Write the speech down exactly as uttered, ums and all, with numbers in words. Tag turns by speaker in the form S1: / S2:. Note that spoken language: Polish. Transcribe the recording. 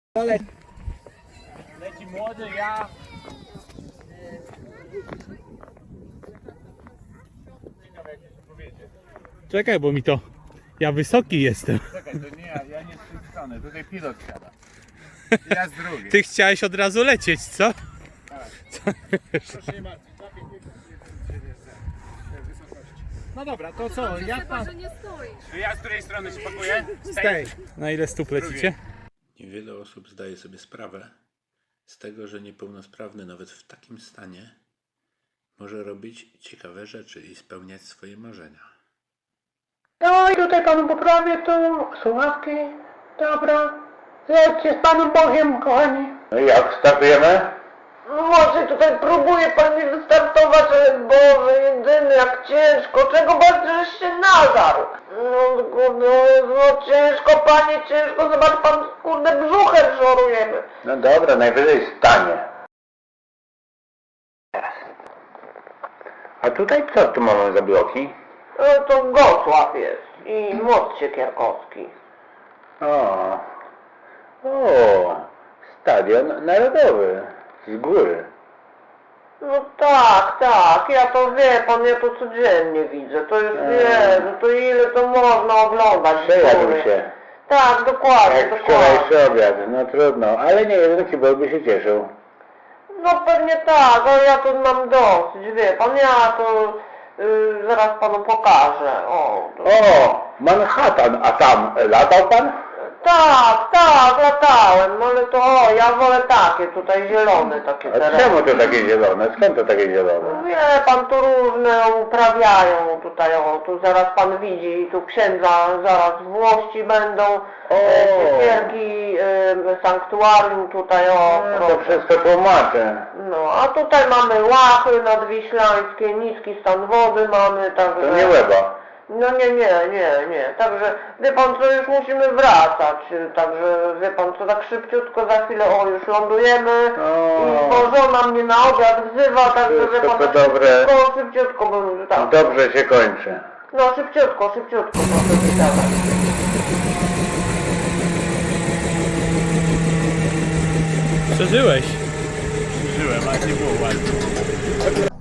S1: Leci, leci młody, ja. Ciekawe jak to powiedzieć.
S2: Czekaj, bo mi to... Ja wysoki jestem.
S1: Czekaj, to nie ja, ja nie z tej strony, tutaj pilot siada. Ja z drugiej.
S2: Ty chciałeś od razu lecieć, co?
S1: Proszę nie martwić, zapię wysokości. No dobra, to co,
S3: Dobrze,
S1: jak
S3: chyba,
S1: pan...
S3: że nie stoisz.
S1: Czy ja z której strony się pakuję? Z
S2: Stej. Na ile stóp lecicie?
S4: Niewiele osób zdaje sobie sprawę z tego, że niepełnosprawny nawet w takim stanie może robić ciekawe rzeczy i spełniać swoje marzenia.
S5: No i tutaj panu poprawię tu słuchawki. Dobra. Jedźcie z panem Bogiem, kochani.
S6: No i jak startujemy?
S5: Może tutaj próbuje pan mi wystartować, ale Boże, jedyny, jak ciężko. Czego bardzo żeś się nadarł? No kurde, no ciężko, panie, ciężko. Zobacz pan, kurde, brzuchem szorujemy.
S6: No dobra, najwyżej stanie. Teraz. A tutaj co tu mamy za bloki?
S5: No to Gosław jest i most Siekierkowski.
S6: O, o, Stadion Narodowy. Z góry.
S5: No tak, tak, ja to wie pan, ja to codziennie widzę, to już
S6: Eee.
S5: wie, no to ile to można oglądać.
S6: Przejadł
S5: góry.
S6: się.
S5: Tak, dokładnie,
S6: Jak
S5: dokładnie.
S6: wczorajszy obiad, no trudno, ale nie jeden kibol by się cieszył.
S5: No pewnie tak, ale ja to mam dosyć, wie pan, ja to y, zaraz panu pokażę, o. To...
S6: O, Manhattan, a tam latał pan?
S5: Tak, tak, latałem, ale to o, ja wolę takie tutaj zielone, takie
S6: A
S5: tereny.
S6: czemu to takie zielone? Skąd to takie zielone?
S5: Wie pan, tu różne uprawiają tutaj, o, tu zaraz pan widzi, tu księdza zaraz Włości będą,
S6: O.
S5: e, siekierki, e, sanktuarium tutaj, o,
S6: No, to
S5: proszę.
S6: wszystko tłumaczę.
S5: No, a tutaj mamy Łachy nadwiślańskie, niski stan wody mamy, także...
S6: To nie Łeba.
S5: No nie, nie, nie, nie, także wie pan co, już musimy wracać, także wie pan co, tak szybciutko za chwilę, o, już lądujemy
S6: O.
S5: i bo żona mnie na obiad wzywa, także wie
S6: Wszystko
S5: pan,
S6: to
S5: tak
S6: dobre.
S5: szybciutko, szybciutko bym, tak,
S6: Dobrze się kończy.
S5: no szybciutko, szybciutko, proszę wydawać.
S2: Przeżyłeś.
S1: Żyłem, ale nie było ładnie.